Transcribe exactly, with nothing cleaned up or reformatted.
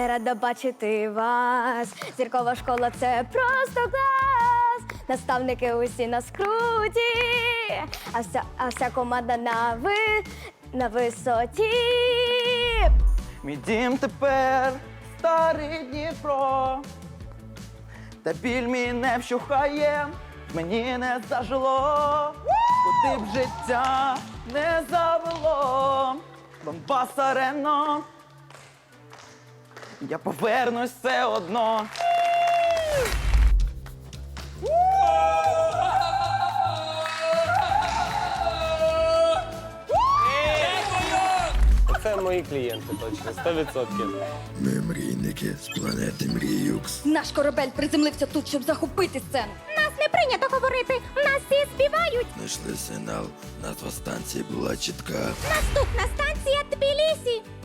Я рада бачити вас. Зіркова школа – це просто клас. Наставники усі на скруті, а вся, а вся команда на ви, на висоті. Мій дім тепер старий Дніпро, та біль мій не вщухає, мені не зажило, куди б життя не завело. Донбас арено, я повернусь все одно. Це мої клієнти, точно, сто відсотків. Ми мрійники з планети Мріюкс. Наш корабель приземлився тут, щоб захопити сцену. Нас не прийнято говорити, нас всі співають. Знайшли сигнал, назва станції була чітка. Наступна станція Тбілісі.